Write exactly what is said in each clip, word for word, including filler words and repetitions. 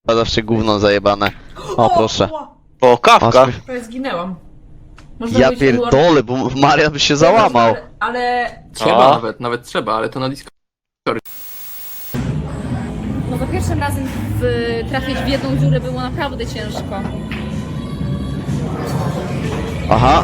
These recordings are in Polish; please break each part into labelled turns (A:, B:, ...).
A: zawsze gówno zajebane. O, proszę.
B: O, kawka!
C: Prawie zginęłam. Można
A: Ja
C: być
A: pierdolę, bo Marian by się załamał.
C: Ale, ale...
D: Trzeba
B: A.
D: nawet, nawet trzeba, ale to na Discord.
E: No za pierwszym razem w, trafić w jedną dziurę było naprawdę ciężko.
A: Aha.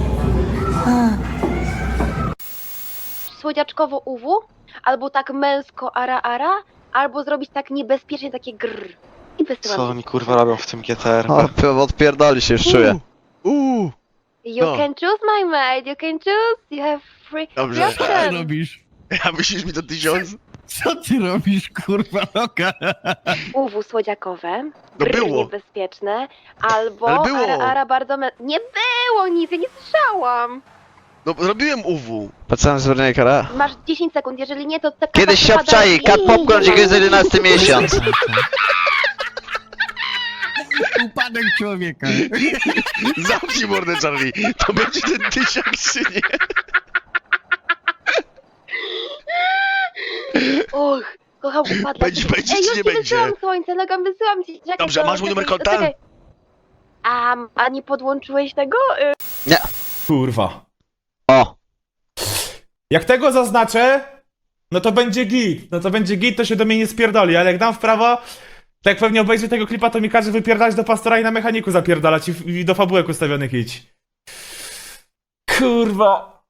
F: Słodziaczkowo U W, albo tak męsko ara ara, albo zrobić tak niebezpiecznie takie grrr. I wysyłam.
B: Co oni kurwa robią w tym G T R?
A: O, p- odpierdoli się, już czuję.
B: Uuu!
F: You
B: No.
F: can choose, my mate, you can choose, you have free
B: Dobrze.
G: Co ty robisz?
B: Ja myślisz mi to tysiąc?
G: Co ty robisz, kurwa, noga?
F: U W słodziakowe,
B: No
F: grrr
B: było.
F: niebezpieczne, albo
B: Ale było.
F: ara ara bardzo mę... Nie było nic, ja nie słyszałam.
B: No robiłem U W.
A: Patrzałem z Wernie Kara.
F: Masz dziesięć sekund, jeżeli nie, to... ta
A: Kiedyś się
F: kata wpada
A: obczai,
F: i-
A: kat popcorn, dziękuję za jedenasty miesiąc.
G: Upadek człowieka.
B: Zamknij mordę, Charlie. To będzie ten tysiak, czy nie?
F: Och, kocham upadła.
B: Będzie- będzie,
F: Ej,
B: czy
F: już
B: nie
F: ci
B: będzie?
F: wysyłam słońce, Logan, wysyłam ci. Czekaj,
B: Dobrze,
F: to-
B: masz mój numer
F: czekaj,
B: konta?
F: czekaj. A, a nie podłączyłeś tego? Y,
H: Kurwa.
A: O,
H: Jak tego zaznaczę, no to będzie git. No to będzie git, to się do mnie nie spierdoli, ale jak dam w prawo, to jak pewnie obejrzy tego klipa, to mi każe wypierdalać do pastora i na mechaniku zapierdalać i, i do fabułek ustawionych idź. Kurwa.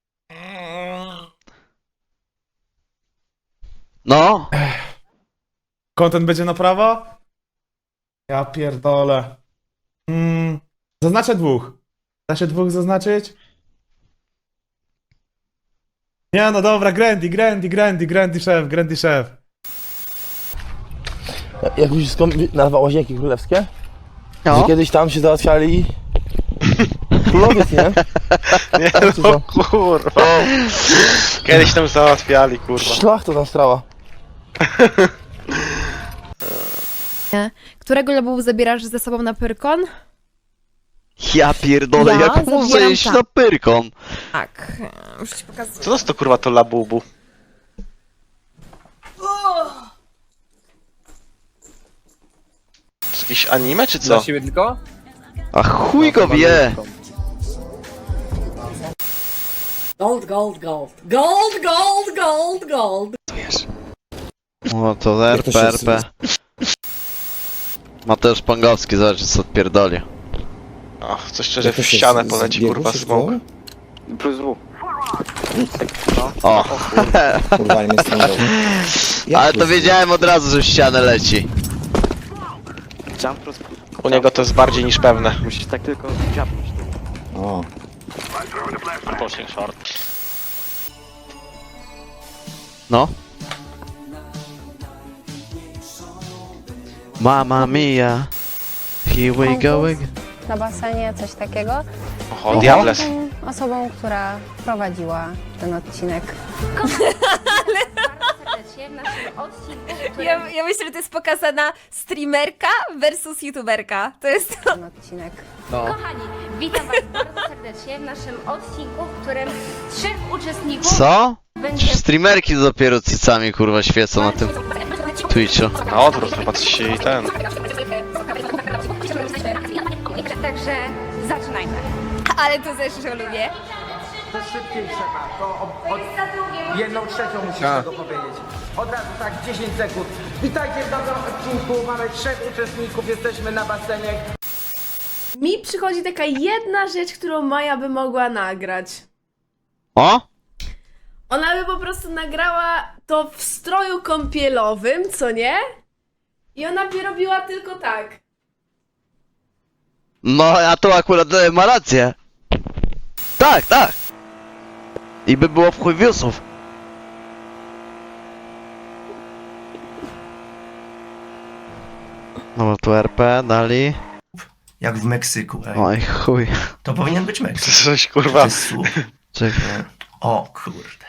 A: no.
H: Content będzie na prawo? Ja pierdolę. Mm, zaznaczę dwóch. Da się dwóch zaznaczyć? Nie no dobra, Grandy, Grandy, Grandy, Grandy szef, Grandy szef.
I: Jak już skąd nazwa Łazienki Królewskie?
A: No.
I: Że kiedyś tam się załatwiali królowiec, nie?
B: Nie,
I: Co
B: no
I: za-
B: kurwa. Kiedyś tam załatwiali, kurwa.
I: Szlach to tam strała.
J: Którego lobu zabierasz ze sobą na Pyrkon?
A: Ja pierdolę,
J: Ja
A: jak można
J: zabieram
A: jeść
J: tak.
A: na Pyrkon?
J: Tak, już ci pokazuję.
B: Co to jest to kurwa to labubu? To jest jakieś anime, czy co?
D: siebie tylko?
A: A chuj go wie.
C: Gold, gold, gold. Gold, gold, gold, gold.
A: O, to R P, R P. Mateusz Pongowski, zobacz co odpierdoli.
B: O, coś szczerze w ścianę poleci, kurwa, smok.
I: Plus W.
A: O,
I: Kurwa, nie stąd.
A: ale to wiedziałem od razu, że w ścianę leci.
B: U niego to jest bardziej niż pewne.
I: Musisz tak tylko dziabnąć. O.
B: Pushing short.
A: No. Mamma mia. Here we go again.
J: Na basenie, coś takiego.
B: Oho, Diables.
J: Jestem osobą, która prowadziła ten odcinek.
E: Ja, ja myślę, że to jest pokazana streamerka versus youtuberka. To jest to.
J: Ten odcinek.
F: Kochani, witam was bardzo serdecznie w naszym odcinku, w którym trzech uczestników
A: Co?
F: będzie...
A: Streamerki dopiero cycami kurwa świecą na tym Twitchu.
B: Na odwrót, popatrzcie i ten.
F: Także zaczynajmy.
E: Ale to też że lubię.
K: To szybciej trzeba, to od, od jedną trzecią musisz tego powiedzieć. Od razu tak, dziesięć sekund. Witajcie w nowym odcinku, mamy trzech uczestników, jesteśmy na basenie.
C: Mi przychodzi taka jedna rzecz, którą Maja by mogła nagrać.
A: O?
C: Ona by po prostu nagrała to w stroju kąpielowym, co nie? I ona by robiła tylko tak.
A: No, a to akurat e, ma rację. Tak, tak. I by było w chuj wiusów. No bo tu R P dali.
G: Jak w Meksyku, ej.
A: Oj chuj.
G: To powinien być
B: To
G: Meksyk.
B: jest coś
G: To
B: kurwa.
G: jest słup.
A: Czekaj.
G: O kurde.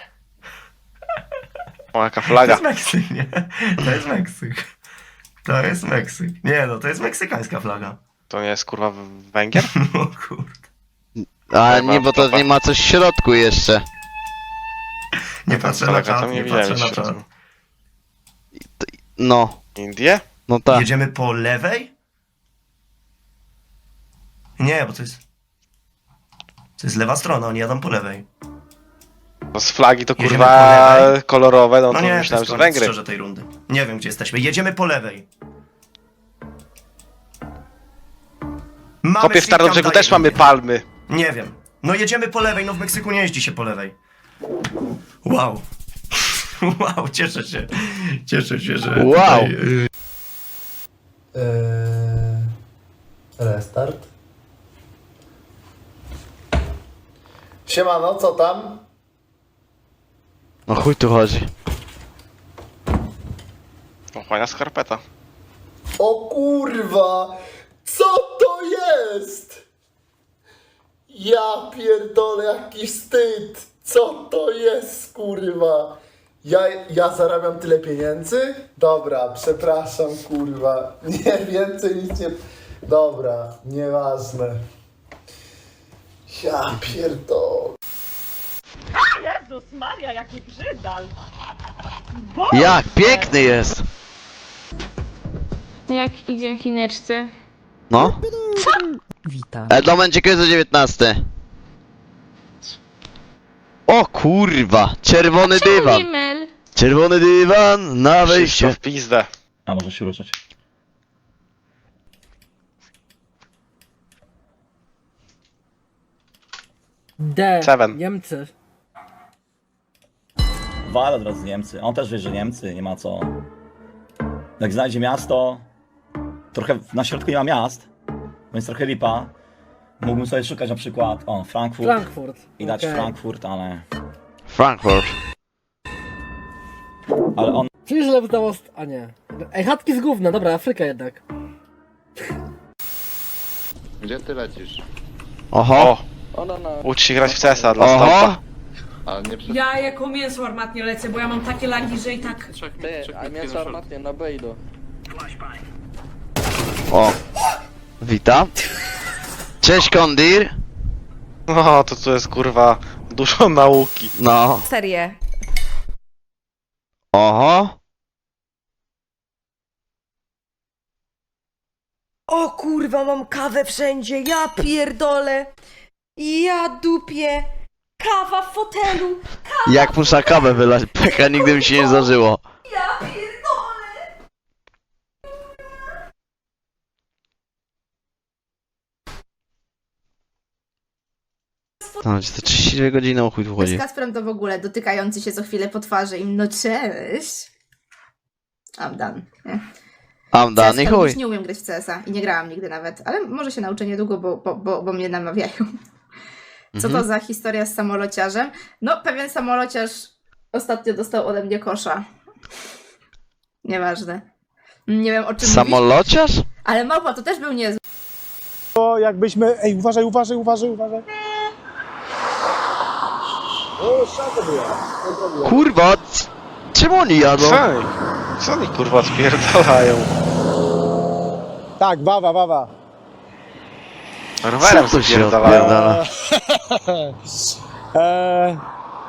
B: O, jaka
G: To
B: flaga.
G: jest Meksyk, nie? To jest Meksyk. To jest Meksyk. Nie no, to jest meksykańska flaga.
B: To nie jest kurwa Węgier?
G: O kurde.
A: A nie, bo to nie ma coś w środku jeszcze.
G: Nie patrzę na
B: Flaga
G: czat,
B: tam nie
G: nie
B: widziałem
G: patrzę na
B: jeszcze.
G: czat.
A: No.
B: Indie?
A: No tak.
G: Jedziemy po lewej? Nie, bo to jest... To jest lewa strona, oni jadą po lewej.
B: No z flagi to
G: Jedziemy
B: kurwa
G: po lewej.
B: kolorowe, no
G: No
B: to
G: nie, to
B: myślałem,
G: jest
B: że
G: koniec
B: Węgry.
G: szczerze tej rundy. Nie wiem, gdzie jesteśmy. Jedziemy po lewej. Mamy
B: Kopie w
G: Sri Lanka
B: Tarnobrzegu też
G: jeden.
B: mamy palmy.
G: Nie wiem. No jedziemy po lewej, no w Meksyku nie jeździ się po lewej. Wow. Wow, cieszę się. Cieszę się, że...
A: Wow.
G: Tutaj, y,
K: Eee, restart. Siemano, co tam?
A: No chuj tu chodzi.
B: Ochłania skarpeta.
K: O kurwa! Co to jest? Ja pierdolę, jaki wstyd! Co to jest, kurwa? Ja, ja zarabiam tyle pieniędzy? Dobra, przepraszam, kurwa. Nie, więcej nic nie... Dobra, nieważne. Ja pierdolę.
A: Jak piękny jest!
D: Jak idzie chineczce?
A: No?
J: Witam.
A: E, to będzie kiedy dziewiętnaste. O kurwa! Czerwony dywan!
D: Mel.
A: Czerwony dywan na
B: Wszystko
A: wejście.
B: w pizdę.
I: A może się ruszać?
K: D.
B: Seven.
K: Niemcy.
I: Wal od razu Niemcy. On też wie, że Niemcy, nie ma co. Jak znajdzie miasto, trochę na środku nie ma miast, więc trochę lipa. Mógłbym sobie szukać na przykład, o, Frankfurt
K: Frankfurt.
I: i dać
K: Okej.
I: Frankfurt, ale...
A: Frankfurt.
I: Ale on
K: Czyli źle udało... A nie. Ej, chatki z gówna, dobra, Afryka jednak.
B: Gdzie ty lecisz?
A: Oho!
B: O! Ucz się grać w C S a dla
A: Oho!
B: Stompa.
D: Ja jako mięso armatnie lecę, bo ja mam takie lagi, że i tak...
I: a mięso armatnie na B idą.
A: O! Witam. Cześć Kondir.
B: No to tu jest kurwa dużo nauki.
A: No.
E: Serię.
A: Oho!
E: O kurwa, mam kawę wszędzie, ja pierdolę. Ja dupię. Kawa w fotelu.
A: Jak muszę kawę wylać, peka nigdy mi się nie zdarzyło.
E: Ja pierdolę.
A: To będzie te trzydzieści dwie godziny, o chuj tu chodzi.
D: Z Kasprem to w ogóle dotykający się co chwilę po twarzy im, no cześć. I'm done. Nie.
A: Am dany
D: C S,
A: chuj.
D: już nie umiem grać w C S a i nie grałam nigdy nawet, ale może się nauczę niedługo, bo, bo, bo, bo mnie namawiają. Co to
A: Mhm.
D: za historia z samolociarzem? No, pewien samolociarz ostatnio dostał ode mnie kosza. Nieważne. Nie wiem o czym mówisz,
A: Samolociarz?
D: ale małpa to też był niezły.
K: To jakbyśmy... Ej, uważaj, uważaj, uważaj, uważaj. O, szako była.
A: Kurwa, c- czemu oni jadą?
B: Co oni? Co oni kurwa spierdalają?
K: Tak, wawa, wawa.
B: Rowerem
A: Co tu się
B: spierdalają.
A: odpierdala?
K: Eee,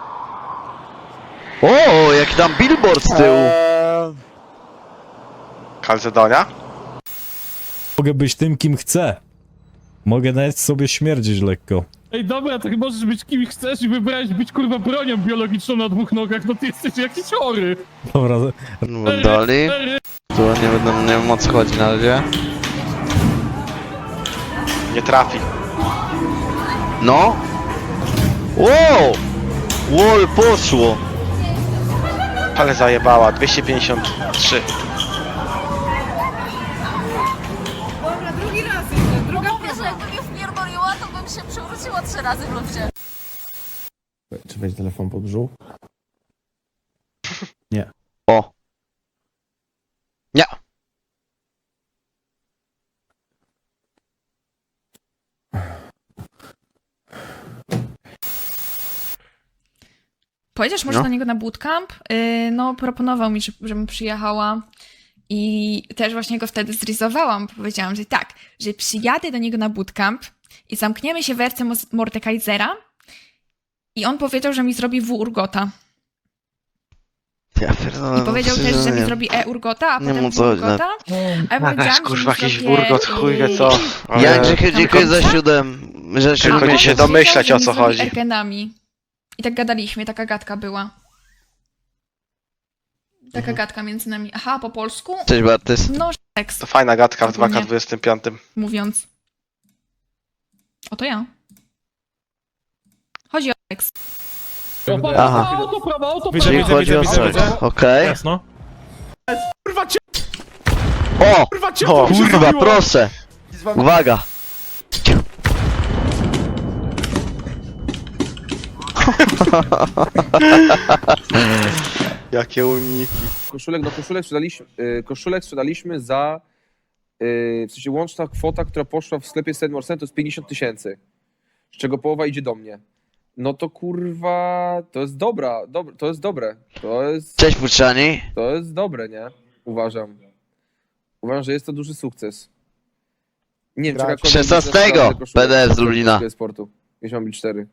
A: O, jaki tam billboard z tyłu.
K: eee,
B: Kalcedonia?
L: Mogę być tym, kim chcę. Mogę nawet sobie śmierdzić lekko.
H: Ej, dobra, tak możesz być kim chcesz i wybrałeś być kurwa bronią biologiczną na dwóch nogach, no ty jesteś jakiś chory.
L: Dobra,
A: No, Dali. Tu nie będę, nie wiem o co chodzi na razie.
B: Nie trafi.
A: No. Wow! Wall poszło.
B: Ale zajebała. dwieście pięćdziesiąt trzy.
E: Dobra, drugi raz jeszcze, druga próba. Jakby mnie wpierdoliła, to bym się przewróciła trzy razy w ludzie.
L: czy będzie telefon podróżu?
A: O. Nie.
D: Pojedziesz może
A: No.
D: do niego na bootcamp? Yy, no, proponował mi, że- żebym przyjechała i też właśnie go wtedy zrizowałam. Powiedziałam, że tak, że przyjadę do niego na bootcamp i zamkniemy się w erce Mos- Mordekaisera i on powiedział, że mi zrobi W Urgota.
A: Ja pierdolę,
D: I powiedział
A: no,
D: też, że mi
A: nie.
D: zrobi e-urgota, a
A: Nie
D: potem
A: mu co chodzi,
D: urgota. A ja powiedziałam, że
B: kurwa,
D: mi
B: jakiś
D: zrobię,
B: urgot, chuj wie co.
D: yy,
A: Ja
B: Ale-
A: Grzechy, dziękuję za siódem. Że
B: Tylko
A: siódmy
B: nie się
A: miesiąc.
B: domyślać,
D: że
B: o
D: mi
B: co
D: zrobi
B: chodzi.
D: ergenami. I tak gadaliśmy, taka gadka była. Taka
A: Mhm.
D: gadka między nami. Aha, po polsku?
A: Cześć Bartys.
D: No, seks,
B: To fajna gadka w
D: Ogólnie.
B: dwa K dwadzieścia pięć.
D: mówiąc. Oto ja. Chodzi o seks.
A: Aha.
H: Widzę,
A: Czyli
H: widzę,
A: chodzi
H: widzę,
A: o
H: widzę,
A: coś.
H: widzę.
A: Okej.
H: Jasno. Kurwa cię,
A: O!
H: kurwa cię,
B: O,
H: co mi się
A: Kurwa,
H: zrobiło?
A: proszę! Uwaga!
B: Jakie uniki.
K: Koszulek do koszulek sprzedaliśmy, yy, koszulek sprzedaliśmy za, yy, w sensie łączna kwota, która poszła w sklepie Sedmore Cent to jest pięćdziesiąt tysięcy, z czego połowa idzie do mnie. No to kurwa, to jest dobra, dob to jest dobre, to jest,
A: Cześć Puczani.
K: to jest dobre, nie? Uważam. Uważam, że jest to duży sukces. Nie wiem, czy jakakolwiek
A: szesnastego
K: biznes koszulek
A: P D F z Lublina.
K: polskiego sportu. Jeśli mam być cztery.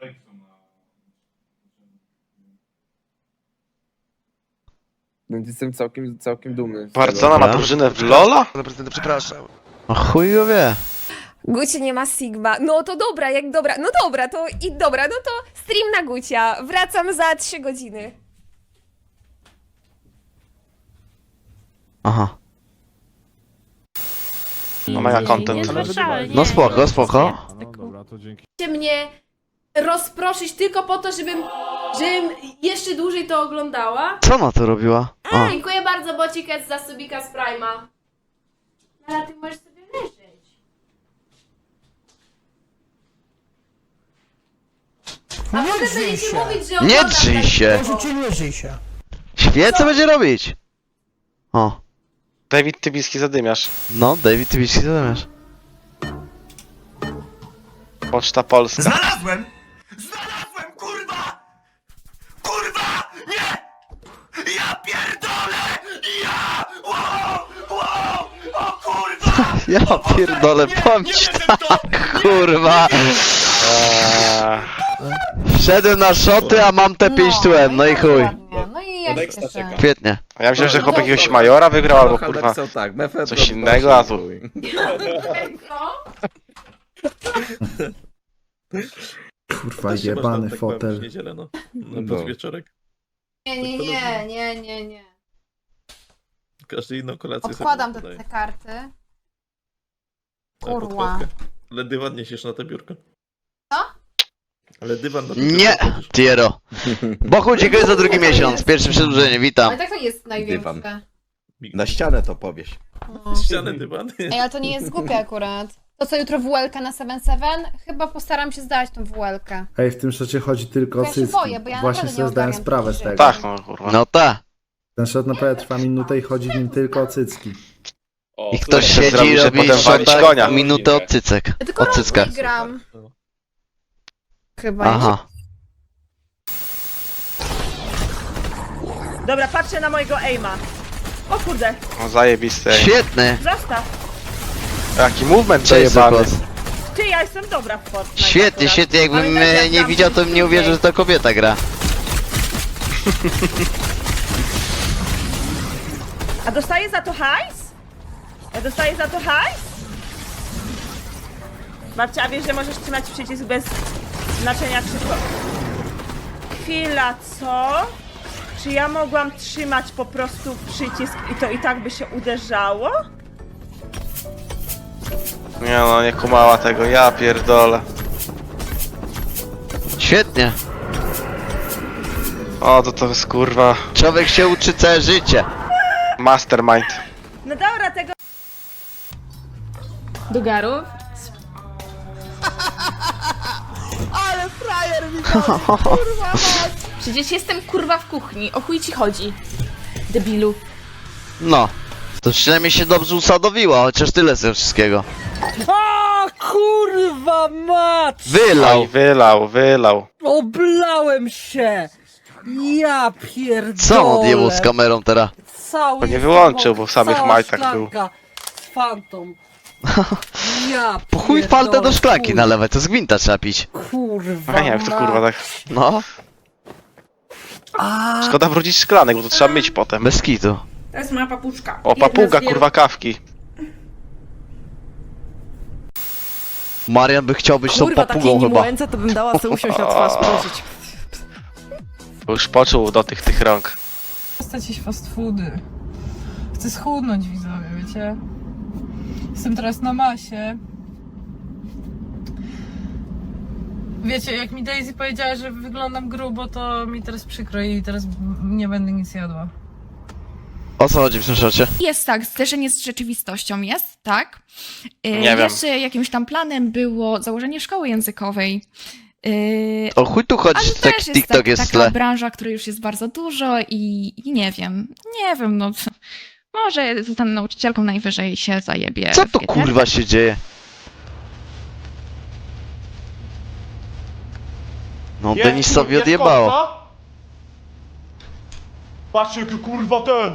K: Więc jestem całkiem, całkiem dumny. z tego.
B: Barcona ma drużynę w Lola?
H: Przepraszam.
A: O chuj go wie.
E: Gucie nie ma Sigma. No to dobra, jak dobra. No dobra, to i dobra, no to stream na Gucia. Wracam za trzy godziny.
A: Aha.
B: No mega content.
A: No spoko, spoko.
H: No dobra, to dzięki.
C: Chcecie mnie rozproszyć tylko po to, żebym, żebym jeszcze dłużej to oglądała?
A: Co ona tu robiła? A.
C: Dziękuję bardzo, Bociket, za subika z Prime'a. Ale ty możesz sobie leżeć. A potem będziecie mówić, że
A: Nie
C: oglądam
A: drzyj
C: tak
A: się.
C: długo.
A: Świecę będzie robić. O.
B: David Tybiski zadymiarz.
A: No, David, ty wiesz, co zamiast.
B: Poczta Polska.
G: Znalazłem! Znalazłem, kurwa! Kurwa! Nie! Ja pierdolę! Ja! Wow! Wow! O kurwa!
A: Ja pierdolę, powiem ci tak, kurwa.
B: Eee,
A: Wszedłem na szoty, a mam te pięć tułem, no i chuj.
J: No i ja się cieszę.
A: Świetnie.
B: ja myślałem, że chłopak jakiegoś majora wygrał albo kurwa coś innego, a tu...
K: Kurwa, jebany fotel.
H: No. wieczorek.
J: Nie, nie, nie, nie, nie, nie.
H: Każdy inną kolację
J: Odkładam te, te karty. Kurwa.
H: Ale dywan niesiesz na te biurko.
J: Co?
H: Ale dywan na
A: Nie, Tiero. Bochu, dziękuję za drugi miesiąc. Pierwsze przedłużenie, witam.
J: Ale tak to jest największe.
H: Na
K: ścianę to powiesz.
H: ścianę dywan.
J: Ej, ale to nie jest głupie akurat. To co, jutro W L K na siedem siedem? Chyba postaram się zdać tą W L K.
K: Ej, w tym szocie chodzi tylko
J: Ja się boję, bo ja
K: Właśnie
J: naprawdę
K: sobie
J: nie
K: zdałem
J: ogarniam
K: sprawę z
J: takich
K: tego.
B: Tak, no kurwa.
A: No ta.
K: Ten szot naprawdę trwa minutę i chodzi w nim tylko o cycki.
A: I ktoś
B: Chcę
A: siedzi
B: zrobić,
A: i
B: że
A: robi
B: potem walić
A: szota
B: konia.
A: minutę od cycek.
C: Ja tylko
A: Od cycka.
C: raz gram.
J: Chyba.
A: Aha.
E: Dobra, patrzę na mojego aima. O kurde,
B: No zajebiste.
A: Świetny.
E: zostaw.
B: Jaki movement
A: Cześć,
B: przejebany.
A: Sokos.
E: Ty, ja jestem dobra w Fortnite.
A: Świetnie,
E: akurat.
A: świetnie. Jakbym
E: Pamiętajcie, jak
A: e, nie
E: gram
A: widział, to bym nie uwierzył, że to kobieta gra.
E: A dostaję za to hajs? Ja dostaję za to hajs? Babcia, a wiesz, że możesz trzymać przycisk bez znaczenia krzyku? Chwila, co? Czy ja mogłam trzymać po prostu przycisk i to i tak by się uderzało?
B: Nie no, nie kumała tego, ja pierdolę.
A: Świetnie.
B: O, to to jest kurwa
A: Człowiek się uczy całe życie.
B: mastermind.
E: No dobra, tego...
C: Do garów?
E: Ale frajer mi kurwa
C: Przecież jestem kurwa w kuchni, o chuj ci chodzi. Debilu.
A: No. To przynajmniej się dobrze usadowiła, chociaż tyle z tego wszystkiego.
E: A kurwa mać!
A: Wylał.
B: Oj, wylał, wylał.
E: Oblałem się! Ja pierdolę!
A: Co on odjebał z kamerą teraz?
E: Cały
B: Bo nie wyłączył, bo w samych majtach był.
E: z Fantom. Ja
A: Po chuj faltę do szklanki nalewać, to z gwinta trzeba pić.
E: Kurwa
B: A nie, jak to kurwa tak.
A: No.
B: Szkoda wrócić szklanek, bo to trzeba myć potem.
A: Bez kitu.
E: To jest moja papuczka.
B: O, papuga, kurwa, kawki.
A: Marian by chciał być tą papugą chyba.
M: to bym dała sobie usiąść na twarz, prosić.
B: Już poczuł do tych, tych rąk.
M: Postać jeść fast foody. Chcę schudnąć, widzowie, wiecie? Jestem teraz na masie. Wiecie, jak mi Daisy powiedziała, że wyglądam grubo, to mi teraz przykro i teraz nie będę nic jadła.
A: O co chodzi w tym szocie?
D: Jest tak, zderzenie z rzeczywistością jest, tak. Yy,
B: Nie wiem.
D: Jeszcze jakimś tam planem było założenie szkoły językowej. Yy,
A: O chuj tu chodzi,
D: ale
A: że
D: też
A: tak
D: jest
A: TikTok
D: tak,
A: jest w
D: taka
A: tle.
D: branża, której już jest bardzo dużo i, i nie wiem, nie wiem, no może zostanę nauczycielką, najwyżej się zajebie.
A: Co
D: w
A: to
D: G T.
A: kurwa się dzieje? No
H: Jest,
A: Denisowi
H: jest
A: odjebało.
H: kopca? Patrzcie jaki kurwa ten!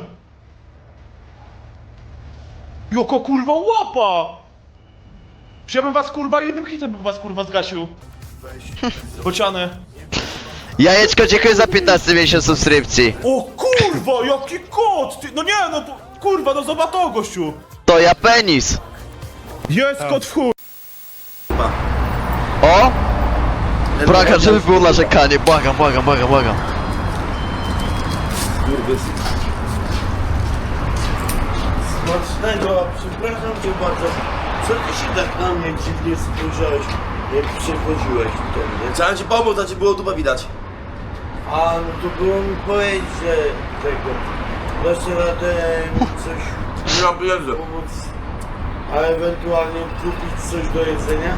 H: Jaka kurwa łapa! Przecież ja bym was kurwa jednym hitem bym was kurwa zgasił. Bociany.
A: Jajeczko, dziękuję za piętnasty miesiąc subskrypcji.
H: O kurwa, jaki kot! Ty, no nie no, po- kurwa, no zobacz to gościu!
A: To ja penis.
H: Jest kot w chuj!
A: O! Błagam, żeby było narzekanie, błagam, błagam, błagam, błagam.
N: Smacznego, przepraszam cię bardzo. Co ty się tak na mnie dziwnie spojrzałeś, jak przechodziłeś do mnie? Chciałem ci pomóc, a ci było dupę widać. A, no to było mi powiedzieć, że tego... Dasz radę mi coś... Ja bierze. Pomóc, a ewentualnie kupić coś do jedzenia?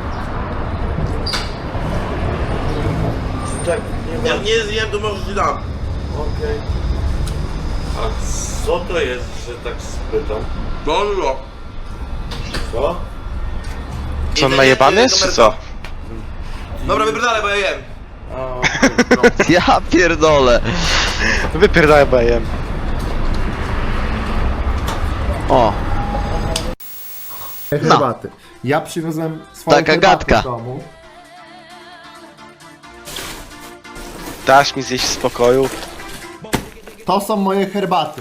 N: Czy tak nie ma... Jak nie zjem, to może ci dam. Okej. A co to jest, że tak spytam? Dobrze. Co?
B: Co, on najebany jest, czy co?
N: Dobra, wypierdalaj, bo ja jem.
A: Ja pierdolę.
B: Wypierdaj, bo ja jem.
A: O.
N: Herbaty. Ja przywiozłem swoją
A: Taka
N: herbatę
A: gadka.
N: z domu.
B: Dasz mi zjeść w spokoju.
N: To są moje herbaty.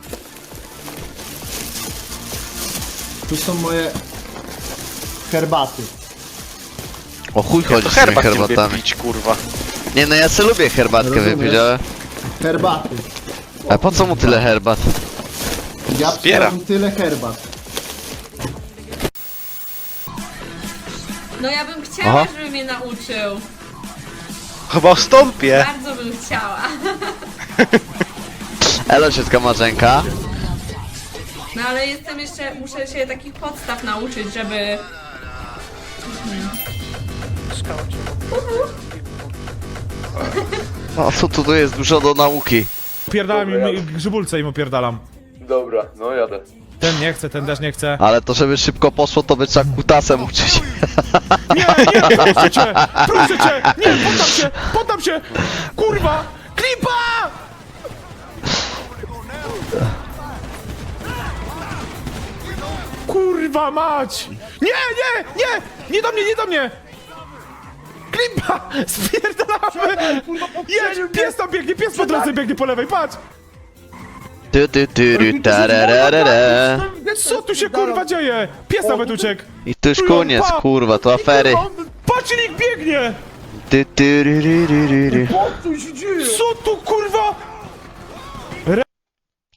N: Tu są moje herbaty.
A: O chuj
B: Ja
A: chodzi
B: to
A: z tymi
B: herbat nie lubię
A: herbatami.
B: pić, kurwa.
A: Nie no, ja se lubię herbatkę
N: Rozumiesz?
A: wypić, ale...
N: Herbaty.
A: A po co mu tyle herbat?
N: Ja
B: Zbiera.
N: przywiozłem tyle herbat.
M: No ja bym chciała,
A: Aha.
M: żeby mnie nauczył.
B: Chyba wstąpię.
M: Bardzo bym chciała.
A: Elo, ciotka Marzenka.
M: No ale jestem jeszcze, muszę się takich podstaw nauczyć, żeby...
A: O, co tu, tu jest dużo do nauki.
H: Pierdalam im grzybulce im opierdalam.
N: Dobra, no jadę.
H: Ten nie chce, ten też nie chce.
A: Ale to żeby szybko poszło, to by trzeba kutasem uczyć.
H: Nie, nie, proszę cię! Proszę cię! Nie, poddam się! Poddam się! Kurwa! Klipa! Kurwa mać! Nie, nie, nie! Nie do mnie, nie do mnie! Klipa! Spierdalamy! Jedź, pies tam biegnie, pies po drodze biegnie po lewej, patrz!
A: Tu, tu, tu, ru, tarararara.
H: Co tu się kurwa dzieje? Pies nawet uciekł!
A: I to już koniec, kurwa, to afery.
H: Patrz, nikt biegnie!
A: Tu, tu, ru, ru, ru, ru, ru.
H: Co tu